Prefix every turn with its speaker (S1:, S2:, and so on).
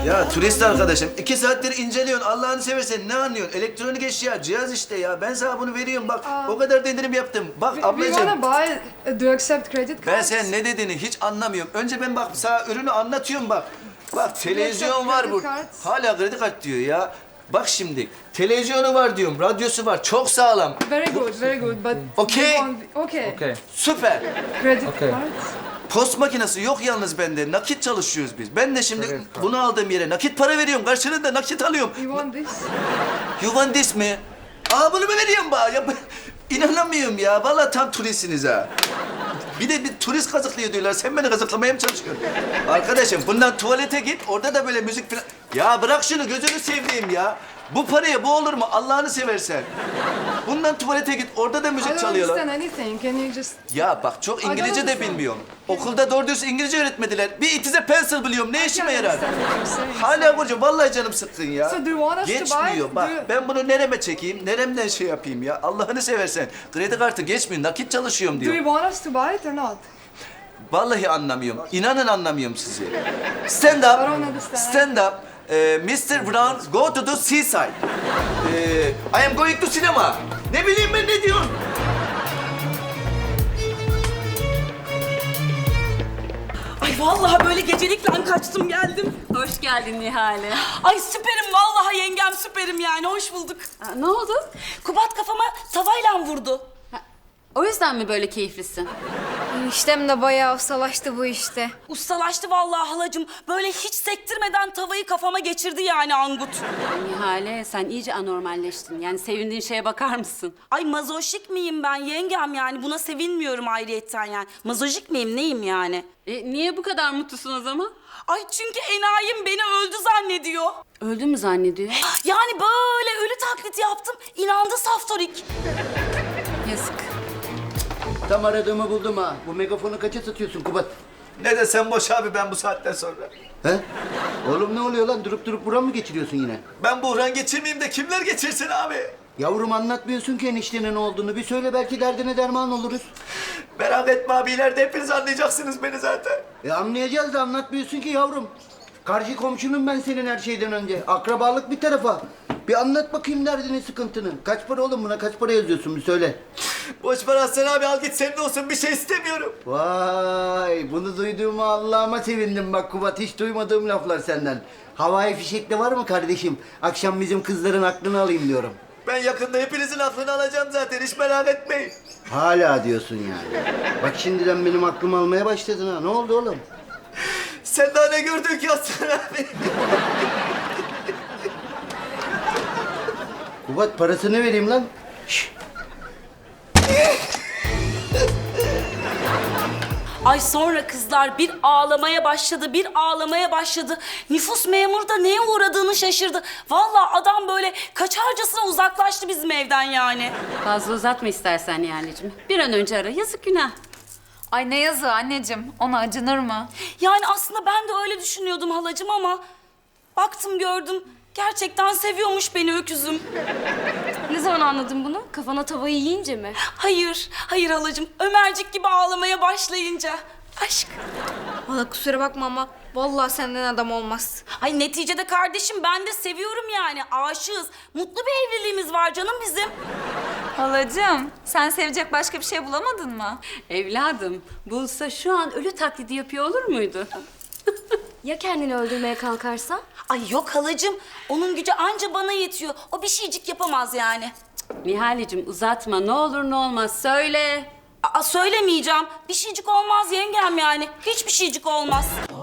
S1: Ya turist arkadaşım 2 saattir inceliyorsun. Allah'ını seversen ne anlıyorsun? Elektronik eşya, cihaz işte ya. Ben sana bunu veriyorum bak. O kadar da indirim yaptım. Bak
S2: We wanna
S1: ablacığım.
S2: buy. Do you accept credit
S1: Ben
S2: cards?
S1: sen ne dediğini hiç anlamıyorum. Önce ben bak sana ürünü anlatıyorum bak. Bak televizyon var
S2: kredi
S1: bu.
S2: kart.
S1: Hala kredi kart diyor ya. Bak şimdi televizyonu var diyorum, radyosu var. Çok sağlam.
S2: Very good, very good. But
S1: Okay.
S2: we want... Okay.
S3: Okay.
S1: Süper.
S2: Credit
S3: Okay.
S2: cards.
S1: Post makinesi yok yalnız bende. Nakit çalışıyoruz biz. Ben de şimdi
S3: Kredi kart.
S1: bunu aldığım yere nakit para veriyorum. Karşılığında nakit alıyorum.
S2: You want this?
S1: You want this mi? Aa bunu mu veriyorsun bana? Ya, inanamıyorum ya. Vallahi tam turistsiniz ha. Bir de bir turist kazıklıyor diyorlar. Sen beni kazıklamaya mı çalışıyorsun? Arkadaşım bundan tuvalete git. Orada da böyle müzik falan... Ya bırak şunu gözünü seveyim ya. Bu paraya bu olur mu? Allah'ını seversen. Bundan tuvalete git. Orada da
S2: I
S1: müzik
S2: don't
S1: çalıyorlar.
S2: understand anything. Can you just...
S1: Ya bak çok İngilizce de
S2: understand.
S1: bilmiyorum. Okulda doğru dürüst İngilizce öğretmediler. Bir itize pencil biliyorum. Ne işime yarar?
S2: understand what you're saying.
S1: Hala Burcu vallahi canım sıkkın ya.
S2: So do you want us to
S1: Geçmiyor
S2: buy?
S1: bak.
S2: Do you-
S1: Ben bunu nereme çekeyim? Neremden şey yapayım ya? Allah'ını seversen. Kredi kartı geçmiyor. Nakit çalışıyorum
S2: Do
S1: diyor.
S2: you want us to buy it or not?
S1: Vallahi anlamıyorum. İnanın anlamıyorum sizi. Stand
S2: I don't
S1: up.
S2: understand.
S1: Stand up. Mr. Brown, go to the seaside. I am going to cinema. Ne bileyim ben ne diyorsun?
S4: Ay vallahi böyle gecelikle kaçtım geldim.
S5: Hoş geldin Nihale.
S4: Ay süperim vallahi yengem süperim yani hoş bulduk.
S5: Ne oldu?
S4: Kubat kafama tavayla vurdu.
S5: O yüzden mi böyle keyiflisin?
S6: Eniştem de bayağı ustalaştı bu işte.
S4: Ustalaştı vallahi halacığım. Böyle hiç sektirmeden tavayı kafama geçirdi yani Angut.
S5: Nihale sen iyice anormalleştin. Yani sevindiğin şeye bakar mısın?
S4: Ay mazoşik miyim ben yengem yani buna sevinmiyorum ayrıyetten yani. Mazoşik miyim neyim yani?
S5: Niye bu kadar mutlusun o zaman?
S4: Ay çünkü enayim beni öldü zannediyor.
S5: Öldü mü zannediyor?
S4: Yani böyle ölü taklidi yaptım. İnandı saftorik.
S5: Yazık.
S7: Tam aradığımı buldum ha. Bu megafonu kaça satıyorsun Kubat?
S1: Ne desem boş abi ben bu saatten sonra.
S7: He? Oğlum ne oluyor lan? Durup durup buran mı geçiriyorsun yine?
S1: Ben buhran geçirmeyeyim de kimler geçirsin abi?
S7: Yavrum anlatmıyorsun ki eniştenin ne olduğunu. Bir söyle belki derdine derman oluruz.
S1: Merak etme abi ileride hepiniz anlayacaksınız beni zaten.
S7: Anlayacağız da anlatmıyorsun ki yavrum. Karşı komşunum ben senin her şeyden önce. Akrabalık bir tarafa. Bir anlat bakayım derdini, sıkıntını. Kaç para oğlum buna? Kaç para yazıyorsun bir söyle.
S1: Boş ver Aslan abi al git senin olsun bir şey istemiyorum.
S7: Vay bunu duyduğuma Allah'ıma sevindim bak Kubat. Hiç duymadığım laflar senden. Havai fişekte var mı kardeşim? Akşam bizim kızların aklını alayım diyorum.
S1: Ben yakında hepinizin aklını alacağım zaten hiç merak etmeyin.
S7: Hala diyorsun yani. Bak şimdiden benim aklımı almaya başladın ha. Ne oldu oğlum?
S1: Sen daha ne gördün ki Aslan abi?
S7: Kubat parasını vereyim lan. Şşş.
S4: Ay sonra kızlar bir ağlamaya başladı, bir ağlamaya başladı. Nüfus memuru da neye uğradığını şaşırdı. Vallahi adam böyle kaçarcasına uzaklaştı bizim evden yani.
S5: Fazla uzatma istersen Nihaleciğim. Bir an önce ara. Yazık günah.
S6: Ay ne yazığı anneciğim. Ona acınır mı?
S4: Yani aslında ben de öyle düşünüyordum halacığım ama... Baktım gördüm, gerçekten seviyormuş beni öküzüm.
S8: Ne zaman anladın bunu? Kafana tavayı yiyince mi?
S4: Hayır, hayır halacığım. Ömercik gibi ağlamaya başlayınca. Aşk.
S6: Valla kusura bakma ama vallahi senden adam olmaz.
S4: Ay neticede kardeşim ben de seviyorum yani. Aşığız. Mutlu bir evliliğimiz var canım bizim.
S6: Halacığım sen sevecek başka bir şey bulamadın mı?
S5: Evladım bulsa şu an ölü taklidi yapıyor olur muydu?
S8: Ya kendini öldürmeye kalkarsa?
S4: Ay yok halacığım. Onun gücü anca bana yetiyor. O bir şeycik yapamaz yani.
S5: Nihaleciğim uzatma ne olur ne olmaz söyle.
S4: Aa söylemeyeceğim. Bir şeycik olmaz yengem yani. Hiçbir şeycik olmaz.